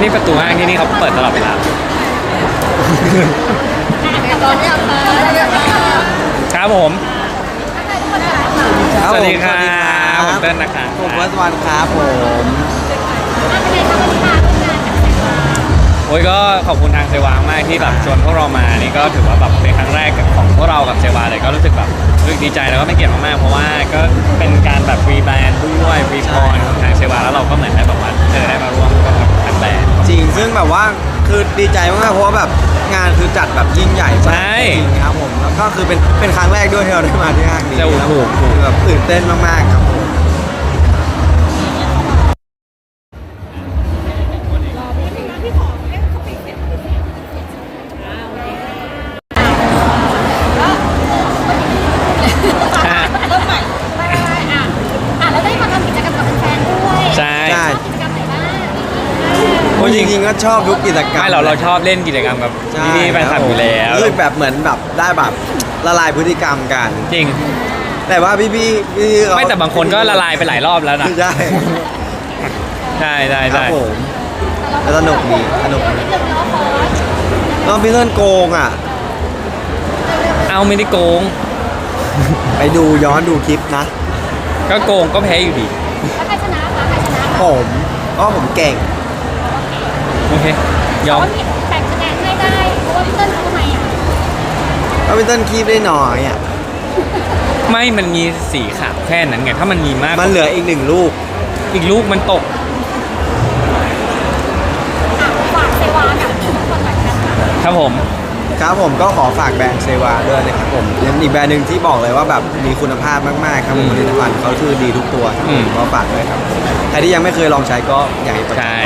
ที่ประตูห้างที่นี่เขาเปิดตลอดเวลาครับผมสวัสดีครับผมเต้นนะครับผมเฟิร์สวันครับผมโอ้ยก็ขอบคุณทางเซวามากที่แบบชวนพวกเรามานี่ก็ถือว่าแบบเป็นครั้งแรกของพวกเรากับเซวาเลยก็รู้สึกแบบรู้สึกดีใจแล้วก็ไม่เกียรติมากๆเพราะว่าก็เป็นการแบบฟรีแบรนด์ด้วยฟรีพรของทางเซวาแล้วเราก็เหมือนได้แบบว่าได้มาร่วมกับทางแบรนด์จริงซึ่งแบบว่าคือดีใจมากๆเพราะว่าแบบงานคือจัดแบบยิ่งใหญ่มากจริงครับผมแล้วก็คือเป็นครั้งแรกด้วยที่เราได้มาที่ห้างนี้ครับคือแบบตื่นเต้นมากๆครับผมจริงๆก็ชอบทุกกิจกรรมไม่เราชอบเล่นกิจกรรมกับพี่ๆแฟนคลับอยู่แล้วรู้สึกแบบเหมือนแบบได้แบบละลายพฤติกรรมกันจริงแต่ว่าพี่ไม่แต่บางคนก็ละลายไปหลายรอบแล้วนะใช่ใช่ผมสนุกดีน้องพี่เล่นโกงอ่ะเอาไม่ได้โกงไปดูย้อนดูคลิปนะก็โกงก็แพ้อยู่ดีแล้วใครชนะคะใครชนะผมเก่งโอเคยอมแบ่งคะแนนให้ได้เพราะว่าพี่เติ้ลเขาทำไมอ่ะก็พี่เติ้ลคีบได้หน่อยอ่ะไม่มันมีสีขาวแค่นั้นไงถ้ามันมีมากมันเหลืออีก1 ลูกมันตกฝากเซวากับทุกคนหน่อยนะครับผมก็ขอฝากแบรนด์เซวาด้วยนะครับผมยังอีกแบรนด์หนึ่งที่บอกเลยว่าแบบมีคุณภาพมากๆครับผลิตภัณฑ์เขาคือดีทุกตัวก็ฝากด้วยครับใครที่ยังไม่เคยลองใช้ก็อยากให้ไปใช่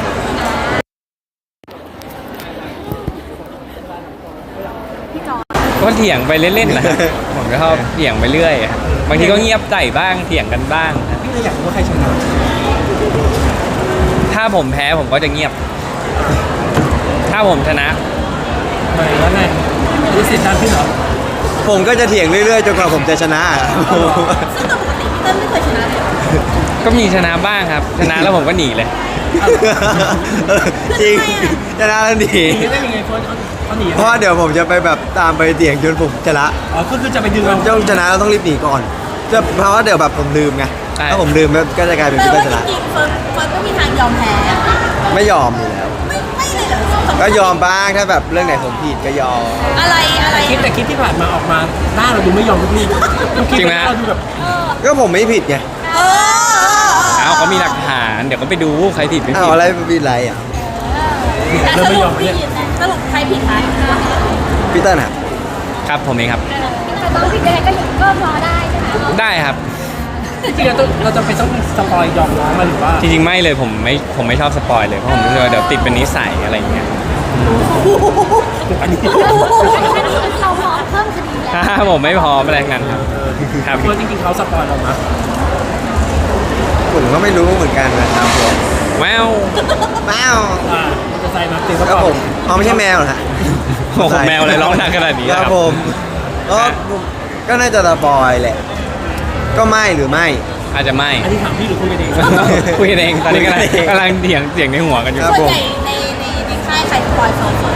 ก็เถียงไปเล่นๆนะผมก็ชอบเถียงไปเรื่อยบางทีก็เงียบใจบ้างเถียงกันบ้างพี่อยากรู้ว่าใครชนะถ้าผมแพ้ผมก็จะเงียบถ้าผมชนะไม่แล้วไงรู้สึกดันขึ้นเหรอผมก็จะเถียงเรื่อยๆจนกว่าผมจะชนะซึ่งปกติพี่เติ้ลไม่เคยชนะเลยก็มีชนะบ้างครับชนะแล้วผมก็หนีเลยจริงชนะแล้วหนีได้ยังไงเขาหนีเพราะเดี๋ยวผมจะไปแบบตามไปเถียงจนผมชนะก็คือจะไปดึงต้องชนะเราต้องรีบหนีก่อนเพราะว่าเดี๋ยวแบบผมลืมไงถ้าผมลืมก็จะกลายเป็นพี่เติ้ลชนะจริงๆเฟิร์สไม่มีทางยอมแพ้ไม่ยอมอยู่แล้วไม่เลยเหรอก็ยอมบ้างถ้าแบบเรื่องไหนผมผิดก็ยอมอะไรแต่คลิปที่ผ่านมาออกมาหน้าเราดูไม่ยอมทุกทีจริงไหมเราดูแบบก็ผมไม่ผิดไงเขามีหลักฐานเดี๋ยวก็ไปดูใครผิดไม่ผิดอะไรผิดอะไรอ่ะเราไม่ยอมเนี่ยสรุปใครผิดคะพี่เติ้ลครับผมเองครับแต่ต้องผิดยังไงก็พอได้ใช่ไหมได้ครับจริงๆเราจะไปต้องสปอยยอมน้องมาหรือว่าจริงๆไม่เลยผมไม่ชอบสปอยเลยเพราะผมรู้สึกว่าเดี๋ยวติดเป็นนิสัยอะไรอย่างเงี้ยอันนี้เราพร้อมเพิ่มคดีแล้วผมไม่พร้อมอะไรงั้นครับเพราะจริงๆเขาสปอยเรามาผมก็ไม่รู้เหมือนกันนะครับผมแมวจะใส่มาเต็มครับผมไม่ใช่แมวเหรอฮะโอ้แมวอะไรร้องดังขนาดนี้ครับผมก็น่าจะสปอยแหละก็ไม่หรือไม่อาจจะไม่อันนี้ถามพี่หรือคุยกันเองคุยกันเองตอนนี้กำลังเถียงในหัวกันอยู่ส่วนใหญ่ในค่ายใครสปอยเฟิร์ส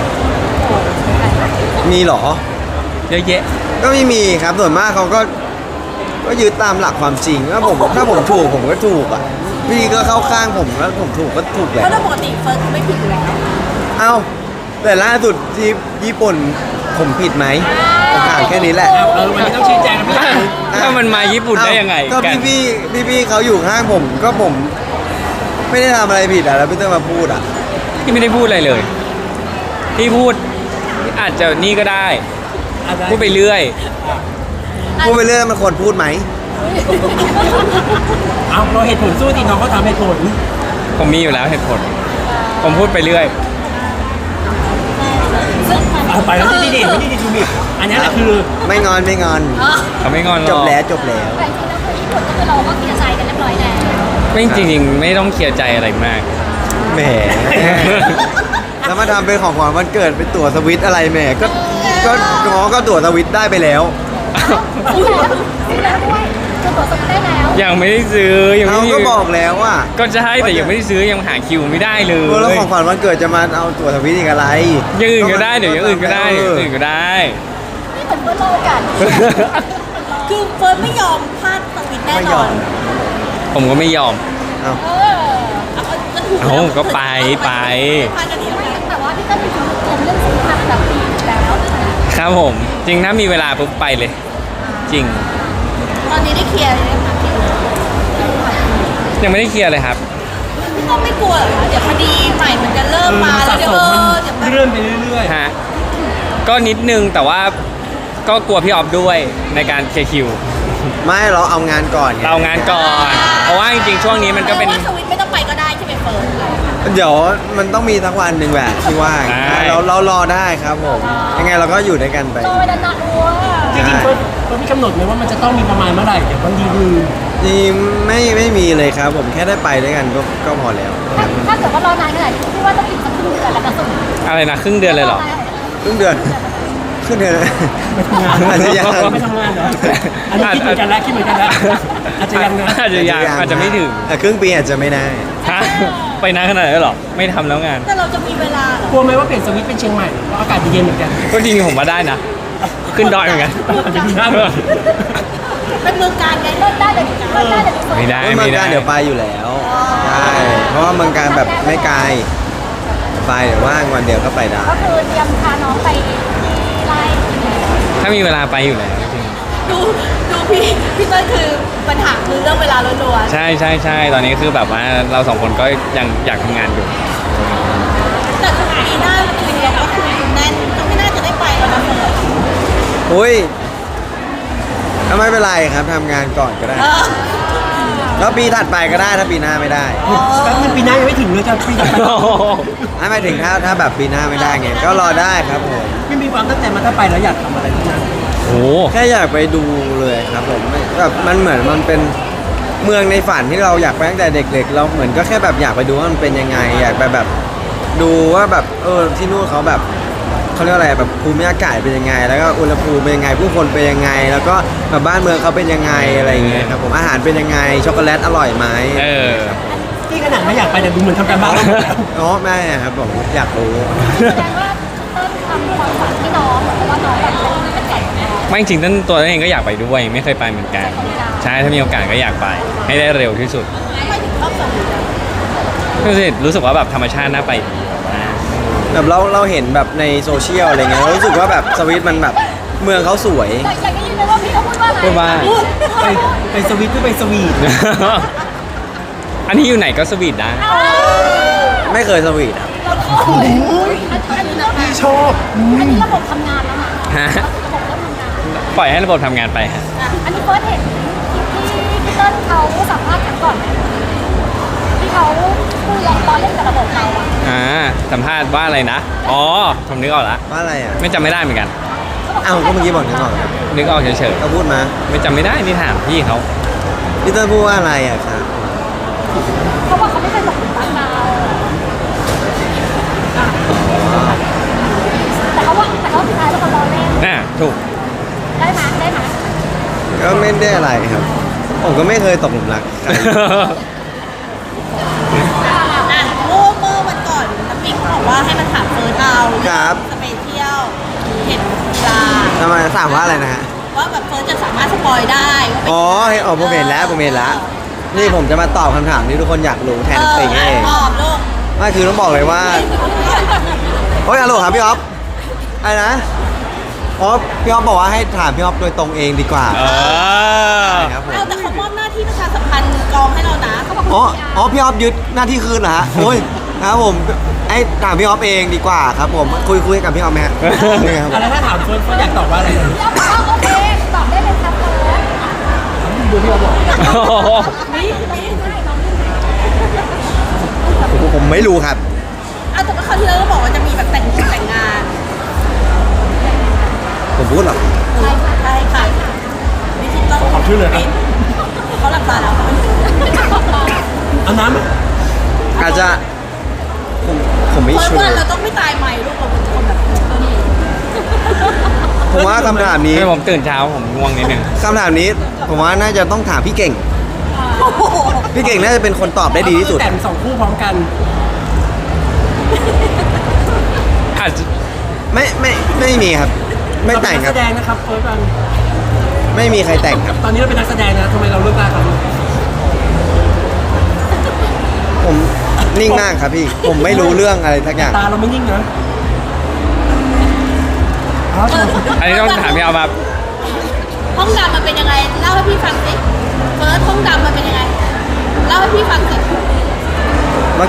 มีหรอเยอะแยะก็ไม่มีครับส่วนมากเขาก็ยึดตามหลักความจริงถ้าผมถูกผมก็ถูกอ่ะพี่ก็เข้าข้างผมแล้วผมถูกก็ถูกแหละเพราะโดยปกติเฟิร์สไม่ผิดอยู่แล้วเอ้าแต่ล่าสุดที่ญี่ปุ่นผมผิดไหมผมถามแค่นี้แหละวันนี้ต้องชี้แจงนะพี่ถ้ามันมาญี่ปุ่นได้ยังไงก็พี่เขาอยู่ข้างผมไม่ได้ทำอะไรผิดอ่ะแล้วพี่ต้องมาพูดอ่ะพี่ไม่ได้พูดอะไรเลยพี่พูดอาจจะนี่ก็ได้พูดไปเรื่อยมันควรพูดไหมเอาเราเหตุผลสู้ดิน้องเขาทำเหตุผลผมมีอยู่แล้วเหตุผลผมพูดไปเรื่อยไปแล้วไม่ดีจูบิอันนี้แหละคือไม่งอนเขาไม่งอนหรอกจบแล้วแต่จริงแล้วคือญี่ปุ่นก็คือเราก็เคลียร์ใจกันเรียบร้อยแล้วไม่จริงๆไม่ต้องเคลียร์ใจอะไรมากแหมแล้วมาทำเป็นของขวัญวันเกิดเป็นตั๋วสวิตอะไรแหมก็ตั๋วสวิตได้ไปแล้วซื้อแล้วด้วยคือตัวสวิตได้แล้วยังไม่ได้ซื้อยังเขาไม่ก็บอกแล้วว่าก็จะให้แต่ยังไม่ได้ซื้อยังหาคิวไม่ได้เลยแล้วของขวัญวันเกิดจะมาเอาตั๋วทวิตอีกอะไรอย่างอื่นก็ได้เดี๋ยวอย่างอื่นก็ได้เดี๋ยวอย่างอื่นก็ได้นี่เหมือนเพื่อนโลกัน คือเฟิร์นไม่ยอมพลาดสวิตแน่ไม่นยออน มผมก็ไม่ยอมเอาเออก็ถูกเอ้าก็ไปพลาดกันดีแล้วกันแต่ว่าพี่เต้นมีความเตรียมเรื่องสุขภาพแบบดีอยู่แล้วครับผม จริงถ้ามีเวลาปุ๊บไปเลย จริงตอนนี้ได้เคลียร์เลยไหมคะคิวยังไม่ได้เคลียร์เลยครับพี่ต้องไม่กลัวเหรอคะเดี๋ยวคดีใหม่มันจะเริ่มมาแล้วสะเดี๋ยสวมเดี๋ยวมันเลื่อนไปเรื่อยฮะก็นิดนึงแต่ว่าก็กลัวพี่ออฟด้วยในการเคลียร์คิวไม่เราเอางานก่อนไงเรางานก่อน เพราะว่าจริงๆช่วงนี้มันก็เป็นว่าสวิตไม่ต้องไปก็ได้ใช่ไหมเฟิร์นเดี๋ยวมันต้องมีสักวันหนึ่งแหละที่ว่างได้เรารอได้ครับผม ยังไงเราก็อยู่ด้วยกันไปโตไปนานๆอ้วๆจริงๆเฟิร์นมีกำหนดไหมว่ามันจะต้องมีประมาณเมื่อไหร่เดี๋ยวบางทีคือนี่ไม่มีเลยครับผมแค่ได้ไปด้วยกันก็พอแล้วถ้าเกิดว่ารอนานขนาดนี้พี่ว่าต้องอีกสักครึ่งเดือนแล้วนะสุดอะไรนะครึ่งเดือนเลยเหรอครึ่งเดือนครึ่งเดือนไม่ทำงานอาจจะยังไม่ทำงานเหรออันนี้คิดเหมือนกันแล้วอาจจะยังนะอาจจะยังอาจจะไม่ถึงแต่ครึ่งปีอาจจะไม่ได้ฮะไปนานขนาดนั้นเหรอ ไม่ทำแล้วงานแต่เราจะมีเวลาเหรอกลัวไหมว่าเปลี่ยนสวิตช์เป็นเชียงใหม่เพราะอากาศเย็นเหมือนกันก็จริงๆผมว่าได้นะ ขึ้นดอยเหมือนกันอาจจะมีหน้าเป็นเมืองการไงเลิกได้เลยเลิกได้เลยไม่ได้เมือไม่งได้การเดี๋ยวไปอยู่แล้วใช่เพราะว่าเมืองการแบบไม่ไกลไปเดี๋ยวว่างวันเดียวก็ไปได้ก็คือเตรียมพาน้องไปที่ไร่ถ้ามีเวลาไปอยู่แล้วจริงดูพี่เต้ยคือปัญหาคือเรื่องเวลาล้วนใช่ใช่ใช่ตอนนี้คือแบบว่าเราสองคนก็ยังอยากทำงานอยู่ๆแต่คือปีหน้าคิวเราก็คือแน่นก็ไม่น่าจะได้ไปแล้วนะเฟิร์นอุ้ยก็ไม่เป็นไรครับทำงานก่อนก็ได้เออแล้วปีถัดไปก็ได้ถ้าปีหน้าไม่ได้แป๊บนึงปีหน้ายังไม่ถึงเลยจะปีต่อไปไม่หมายถึงถ้าแบบปีหน้าไม่ได้ไงก็รอได้ครับผมไม่มีความตั้งใจมาถ้าไปแล้วอยากทำอะไรที่นั่นโอ้แค่อยากไปดูเลยครับผมแบบมันเหมือนมันเป็นเมืองในฝันที่เราอยากไปตั้งแต่เด็กๆ เราเหมือนก็แค่แบบอยากไปดูว่ามันเป็นยังไง อยากไปแบบดูว่าแบบที่นู่นเขาแบบเขาเรียกว่าอะไรแบบภูมิอากาศเป็นยังไง แล้วก็อุณหภูมิเป็นยังไงผู้คนเป็นยังไง แล้วก็แบบบ้านเมืองเขาเป็นยังไงอะไรอย่างเงี้ยครับผมอาหารเป็นยังไงช็อกโกแลตอร่อยไหมเออที่ขนาดไม่อยากไปแต่ดูเหมือนทำการบ้านแล้วหมดแล้วอ๋อแม่ครับผมอยากรู้แสดงว่าเต้นทำความฝันที่น้องเพราะว่าน้องแบบเป็นไก่ของน้องไม่จริงๆต้นตัวเองก็อยากไปด้วย ไม่เคยไปเหมือนกัน ใช่ถ้ามีโอกาสก็อยากไป ให้ได้เร็วที่สุดไม่ถึงชอบสวิตอะรู้สึกว่าแบบธรรมชาติน่าไปดีแบบว่าแบบเราเห็นแบบในโซเชียลอะไรเงี้ยเรารู้สึกว่าแบบสวิตมันแบบเมืองเขาสวยอยากได้ยินเลยว่าพี่เขาพูดว่าอะไรพูดว่าไปสวิตหรือไปสวีทอันนี้อยู่ไหนก็สวีทได้ไม่เคยสวีทครับอันนี้ระบบชอบอันนี้ระบบทำงานแล้วนะฮะระบบเริ่มทำงานปล่อยให้ระบบทำงานไปฮะอันนี้เฟิร์สเห็นที่พี่เติ้ลเขาสัมภาษณ์กันก่อนไหมที่เขาพูดล้อเล่นกับระบบเราอะสัมภาษณ์ว่าอะไรนะ อ๋อ ผมนึกออกละว่าอะไรอ่ะไม่จำไม่ได้เหมือนกันอ้าวก็เมื่อกี้บอกนึกออกครับนึกออกเฉยเขาพูดมาๆ ไม่จำไม่ได้นี่ถามพี่เขาพี่เติ้ลพูดว่าอะไรอ่ะครับเขาบอกเขาไม่เคยตกหลุมรักเราแต่เขาสุดท้ายแล้วเขาล้อเล่นถูกได้ไหมได้ไหมก็ไม่ได้อะไรครับ ผมก็ไม่เคยตกหลุมรักใครอ่ะเมื่อวันก่อนน้ำปิงเขาบอกว่าให้มันถามเฟิร์นเอาครับจะไปเที่ยวเห็นกีฬาทำไมถามว่าอะไรนะฮะว่าแบบเฟิร์นจะสามารถสปอยได้ว่าเป็นอ๋อผมเห็นแล้วผมเห็นแล้ว นี่ผมจะมาตอบคำถามที่ทุกคนอยากรู้แทนติงเองตอบลูกไม่คือต้องบอกเลยว่าโอ้ยฮัลโหลครับพี่อ๊อฟอะไรนะอ๋อพี่อ๊อฟบอกว่าให้ถามพี่อ๊อฟโดยตรงเองดีกว่าเออครับผมเอาแต่เขามอบหน้าที่ประชาสัมพันธ์กองให้เรานะเขาบอกอ๋อพี่อ๊อฟยึดหน้าที่คืนเหรอฮะโอ้ยครับผมไอ้ถามพี่อ๊อฟเองดีกว่าครับผมคุยกับพี่อ๊อฟไหมฮะนี่ครับแล้วถ้าถามเฟิร์นอยากตอบว่าอะไรพี่อ๊อฟบอกว่าโอเคตอบได้เลยครับเฟิร์สดูพี่อ๊อฟบอกผมไม่รู้ครับเอาแต่ว่าคราวที่แล้วเราบอกว่าจะมีแบบแต่งงานผมพูดเหรอใช่ค่ะวิธีต้องขอชื่อเลยครับเขาหลับตาแล้วเขาไม่รู้เอาน้ำไหมอาจจะผมไม่เฟิร์นชัวว่าร์เราต้องไม่ตายใหม่ลูกเราเป็นคนแบบนี้ผมว่าคำถามนี้ให้ผมตื่นเช้าผมง่วงนิดนึงคำถามนี้ผมว่าน่าจะต้องถามพี่เก่งโอ้โหพี่เก่งน่าจะเป็นคนตอบได้ดีที่สุดแต่ง2 คู่พร้อมกันอาจจะไม่มีครับ ไม่แต่งคเรารับเป็นนักแสดงนะครับเฟิร์สกันไม่มีใครแต่งครับตอนนี้เราเป็นนักแสดงนะทำไมเราเลือกได้ครับผมนิ่งมากครับพี่ ผมไม่รู้เรื่องอะไรทักอย่างตาเราไม่นิ่งนะอ๋ออันนี้ต้องถามพี่เอาแบบห้องดำมันเป็นยังไงเล่าให้พี่ฟังสิเฟิร์สห้องดำมันเป็นยังไงเล่าให้พี่ฟังสิมัน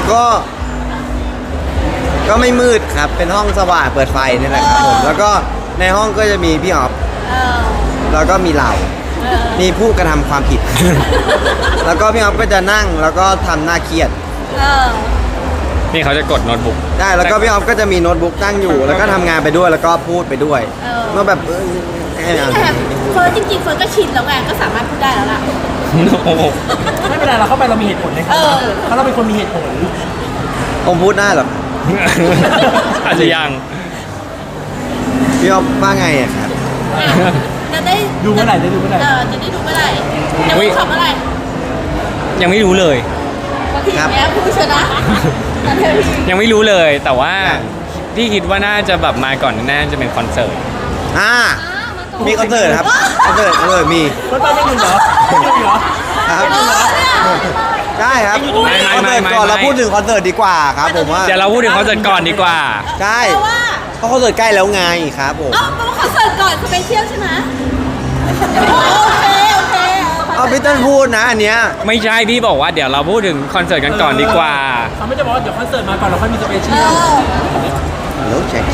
ก็ไม่มืดครับ เป็นห้องสว่างเปิดไฟนี่แหละครับผม แล้วก็ในห้องก็จะมีพี่ออฟเออแล้วก็มีเราเออมีผู้กระทำความผิด แล้วก็พี่ออฟก็จะนั่งแล้วก็ทำหน้าเครียดเออนี่เขาจะกดโน้ตบุ๊กได้แล้วก็พี่ออฟก็จะมีโน้ตบุ๊กตั้งอยู่ แล้วก็ทำงานไปด้วยแล้วก็พูดไปด้วยเออก็แบบให้นี่อ่านแต่เฟิร์สจริงๆเฟิร์สก็ชินแล้วไงก็สามารถพูดได้แล้วล่ะโอ้โหไม่เป็นไรเราเข้าไปเรามีเหตุผลเลยครับเออเพราะเราเป็นคนมีเหตุผลผมพูดได้เหรออาจจะยังพี่ออฟว่าไงอะครับจะได้ดูเมื่อไหร่ได้ดูเมื่อไหร่จะได้ดูเมื่อไหร่จะไม่ขับเมื่อไหร่ยังไม่รู้เลยบางทีครับแม่พูดชนะแต่เธอพี่ยังไม่รู้เลย แต่ว่าครับพี่คิดว่าน่าจะแบบมาก่อนน่าจะเป็นคอนเสิร์ตอ่ามีคอนเสิร์ตครับคอนเสิร์ตมีเฟิร์สไปไม่อยู่เหรอไม่อยู่เหรอครับเออเนี่ยได้ครับไม่คอนเสิร์ตก่อนเราพูดถึงคอนเสิร์ตดีกว่าครับผมว่าเดี๋ยวเราพูดถึงคอนเสิร์ตก่อนดีกว่าใช่เพราะว่าเพราะคอนเสิร์ตใกล้แล้วไงครับผมเอ้าเพราะว่าคอนเสิร์ตก่อนสเปเชียลใช่ไหมโอเคโอเคเอาพี่เต้นพูดนะอันเนี้ยไม่ใช่พี่บอกว่าเดี๋ยวเราพูดถึงคอนเสิร์ตกันก่อนดีกว่าเขาไม่ได้บอกว่าเดี๋ยวคอนเสิร์ตมาก่อนเราค่อยมีสเปเชีเอยลอเดี๋ยวเช็ค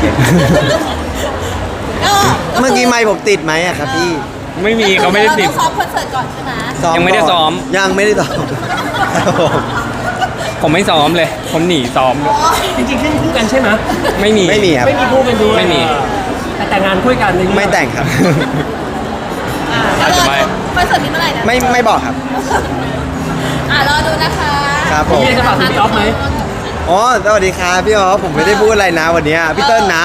เออเมื่อกี้ไมค์ผมติดไหมอะครับพี่ไม่มีเขาไม่ได้ติดเราต้องซ้อมคอนเสิร์ตก่อนใช่ไหมยังไม่ได้ซ้อมยังไม่ได้ซ้อมครับผมผมไม่ซ้อมเลย ผมหนีซ้อมจริงๆขึ้นคู่กันใช่ไหมไม่มีไม่มีครับไม่มีคู่กันด้วยไม่มีแต่แต่งงานคู่กันในเรื่องไม่แต่งครับแล้วรอดูคอนเสิร์ตนี้เมื่อไหร่นะไม่บอกครับรอดูนะคะครับผมมีอะไรจะฝากถึงพี่ออฟไหมอ๋อสวัสดีครับพี่อ๋อผมไม่ได้พูดอะไรนะวันเนี้ยพี่เติ้ลนะ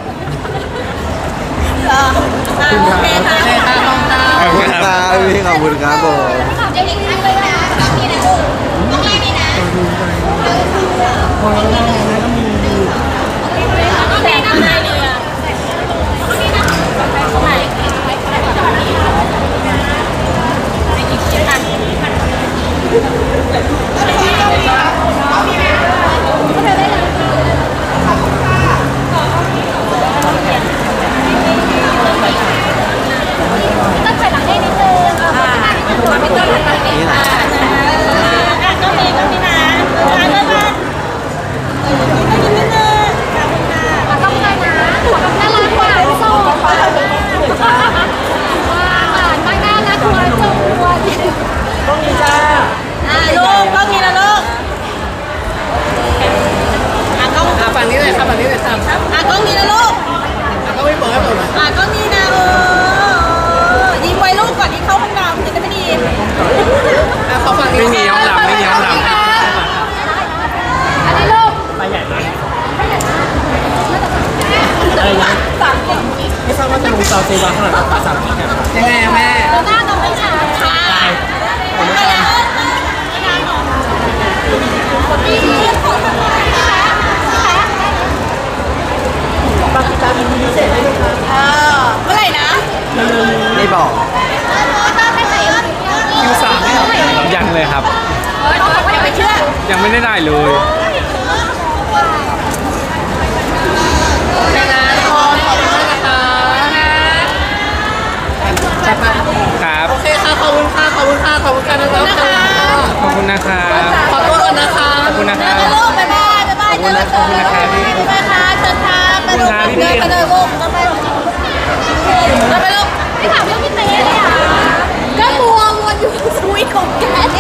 โอเคค่ะขอบคุณค่ะขอบคุณครับพี่ขอบคุณครับผมถามเด็กๆเลยนะต้องมีนะลูกต้องมีนี่นะต้องมีนะไหนเลยอ่ะไหนต้องถอยหลังให้นิดนึงตัวพี่ต้นหันไปนี่ก็มีนะบ๊ายบายต้องเลยนะหัวกับน่ารักกว่าโซ่ว้าวตั้งหน้ารักกว่าจังหวะต้องมีจ้าลูกต้องมีนะลูกกล้องฝั่งนี้เลยครับฝั่งนี้เลยครับกล้องมีนะลูกก็ไม่เปิดให้ผมกล้องมีนะยิงไว้ลูกก่อนที่เข้าห้องน้ำจะได้ไม่ดีขอฝั่งนี้ไม่มีห้องดำไม่มีห้องดำอันนี้ลูกไปใหญ่ไหมอะไรนะสามคนไม่ทราบว่าจะลงซาวเซวาขนาดภาษาอังกฤษยังไงอะแม่หน้าต้องไม่ช้าค่ะดีของทางไหนคะปากีสถานมีพิเศษให้ไหมครับเมื่อไหร่นะไม่บอกคิว3ไม่ยังเลยครับอย่าไปเชื่อยังไม่ได้ได้เลย ครับโอเคค่ะขอบคุณค่ะขอบคุณค่ะขอบคุณค่ะนะครับขอบคุณนะครับขอตัวก่อนนะคะขอบคุณนะครับลูกบ๊ายบายบ๊ายบายเจอกันบ๊ายบายค่ะเชิญค่ะไปลูกไปเดินไปเลยลูกไปลูกไปลูกไม่ถามเรื่องพี่เต้เลยอ่ะก็มัวอยู่สวีทของแก